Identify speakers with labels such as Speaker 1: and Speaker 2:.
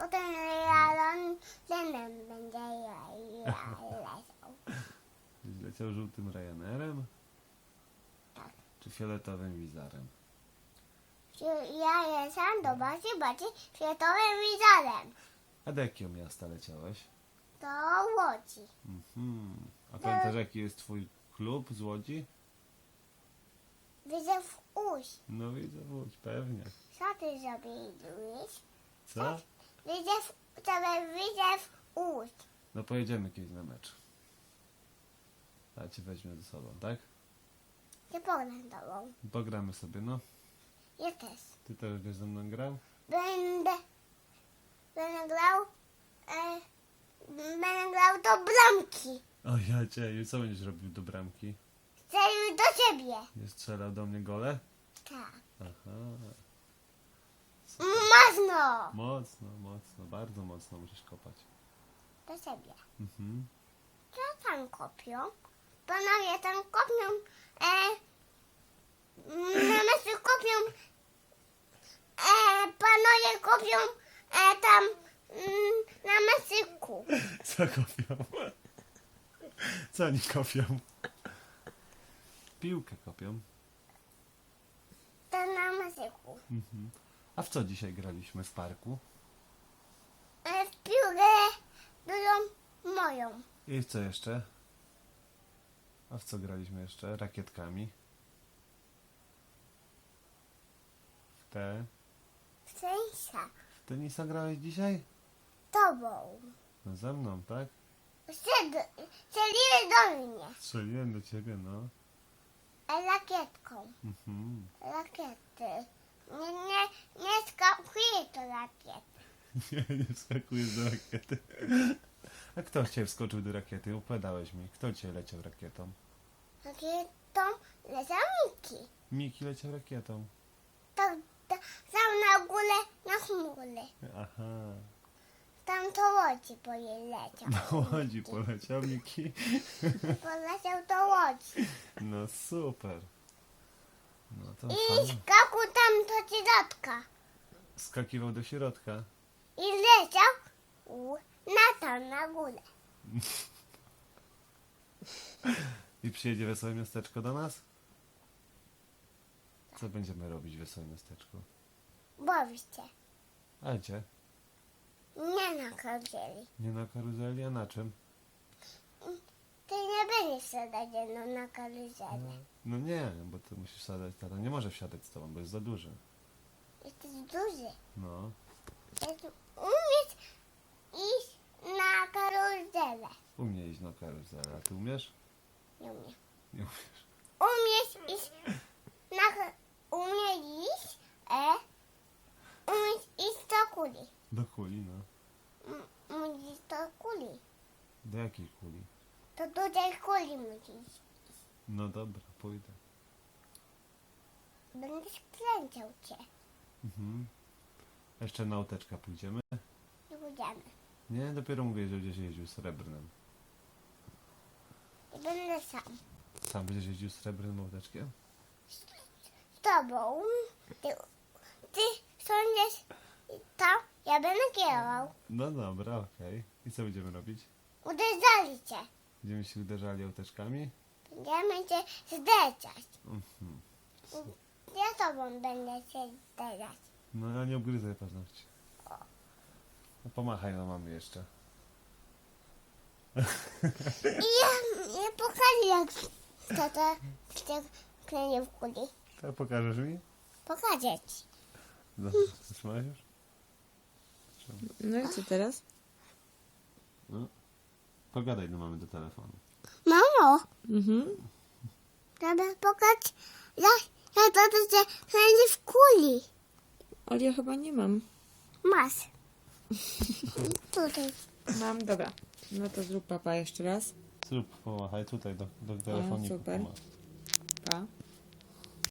Speaker 1: Potem Ryanairem będzie leciał.
Speaker 2: Leciał żółtym Ryanerem?
Speaker 1: Tak.
Speaker 2: Czy fioletowym Wizarem?
Speaker 1: Ja jestem do bardziej światowym wizorem.
Speaker 2: A do jakiego miasta leciałeś?
Speaker 1: Do Łodzi.
Speaker 2: A pamiętasz jaki jest twój klub z Łodzi?
Speaker 1: Widzę w Łódź.
Speaker 2: No widzę Łódź, pewnie.
Speaker 1: Co ty zrobiłeś?
Speaker 2: Co?
Speaker 1: Widzę w Łódź.
Speaker 2: No pojedziemy kiedyś na mecz. A cię weźmie ze sobą, tak?
Speaker 1: Nie pogram tobą.
Speaker 2: Pogramy sobie, no.
Speaker 1: Ja też.
Speaker 2: Ty też będziesz ze mną grał?
Speaker 1: Będę grał do bramki.
Speaker 2: O ja cię, i co będziesz robił do bramki?
Speaker 1: Chcę już do ciebie.
Speaker 2: Nie strzelał do mnie gole?
Speaker 1: Tak.
Speaker 2: Aha.
Speaker 1: Mocno.
Speaker 2: Mocno, mocno, bardzo mocno musisz kopać.
Speaker 1: Do ciebie.
Speaker 2: Mhm.
Speaker 1: Co tam kopią? Panowie tam kopią. Na meczu kopią. Panowie kopią tam na mesyku.
Speaker 2: Co kopią? Co oni kopią? Piłkę kopią.
Speaker 1: To na mesyku.
Speaker 2: Mhm. A w co dzisiaj graliśmy w parku?
Speaker 1: W piłkę dużą moją.
Speaker 2: I w co jeszcze? A w co graliśmy jeszcze? Rakietkami.
Speaker 1: W sensie.
Speaker 2: W tenisa grałeś dzisiaj?
Speaker 1: Tobą.
Speaker 2: No ze mną, tak?
Speaker 1: Strzeliły do mnie.
Speaker 2: Strzeliłem do ciebie, no.
Speaker 1: Rakietką.
Speaker 2: Mhm.
Speaker 1: Rakiety. Nie skakuje to rakiet.
Speaker 2: Nie wskakujesz do rakiety. A kto cię wskoczył do rakiety? Opowiadałeś mi. Kto cię leciał rakietą?
Speaker 1: Rakietą lecą Miki.
Speaker 2: Miki leciał rakietą.
Speaker 1: Tam na górę, na chmury.
Speaker 2: Aha.
Speaker 1: Tam to Łodzi leciał.
Speaker 2: Do Łodzi poleciał Miki.
Speaker 1: Poleciał do Łodzi.
Speaker 2: No super. No to
Speaker 1: I
Speaker 2: fajnie.
Speaker 1: skakał tam do środka.
Speaker 2: Skakiwał do środka.
Speaker 1: I leciał na górę.
Speaker 2: I przyjedzie Wesołe Miasteczko do nas? Co będziemy robić w Wesołym Miasteczku?
Speaker 1: Bawić się.
Speaker 2: A gdzie?
Speaker 1: Nie na karuzeli.
Speaker 2: Nie na karuzeli, a na czym?
Speaker 1: Ty nie będziesz siadać no, na karuzelę.
Speaker 2: No nie, bo ty musisz wsiadać, tata nie może wsiadać z tobą, bo jest za duży.
Speaker 1: Jesteś duży.
Speaker 2: No.
Speaker 1: Umiesz iść na karuzelę.
Speaker 2: Umie iść na karuzelę, a ty umiesz?
Speaker 1: Nie umiem.
Speaker 2: Nie umiesz.
Speaker 1: Umiesz iść umiesz iść do kuli.
Speaker 2: Do kuli, no.
Speaker 1: Musisz do kuli.
Speaker 2: Do jakiej kuli?
Speaker 1: Do dużej kuli musisz.
Speaker 2: No dobra, pójdę.
Speaker 1: Będziesz kręcił cię.
Speaker 2: Mhm. Jeszcze na łoteczka pójdziemy?
Speaker 1: Nie pójdziemy.
Speaker 2: Nie, dopiero mówię, że będziesz jeździł srebrnym.
Speaker 1: I będę sam.
Speaker 2: Sam będziesz jeździł srebrnym łoteczkiem?
Speaker 1: Z tobą. Ty sądzisz tam, ja będę kierował.
Speaker 2: No dobra, okej. I co będziemy robić?
Speaker 1: Uderzali cię.
Speaker 2: Będziemy się uderzali łoteczkami?
Speaker 1: Będziemy cię zderzać.
Speaker 2: Mhm.
Speaker 1: Ja z tobą będę się zderzać.
Speaker 2: No ale nie obgryzaj paznokci. No pomachaj na mamy jeszcze.
Speaker 1: I ja pokażę jak tata się klenie w kuli.
Speaker 2: Tak pokażesz mi?
Speaker 1: Pokażę ci.
Speaker 2: Dobrze, zatrzymałeś już?
Speaker 3: No i co teraz?
Speaker 2: No. Pogadaj do mamy do telefonu.
Speaker 1: Mamo,
Speaker 3: Mhm.
Speaker 1: trzeba pokazać jak tata się klenie w kuli.
Speaker 3: Ale ja chyba nie mam.
Speaker 1: Masz. Tutaj.
Speaker 3: Mam, dobra. No to zrób papa jeszcze raz.
Speaker 2: Zrób, pomachaj tutaj do telefoniku.
Speaker 3: super.
Speaker 2: pomachaj.
Speaker 3: Pa.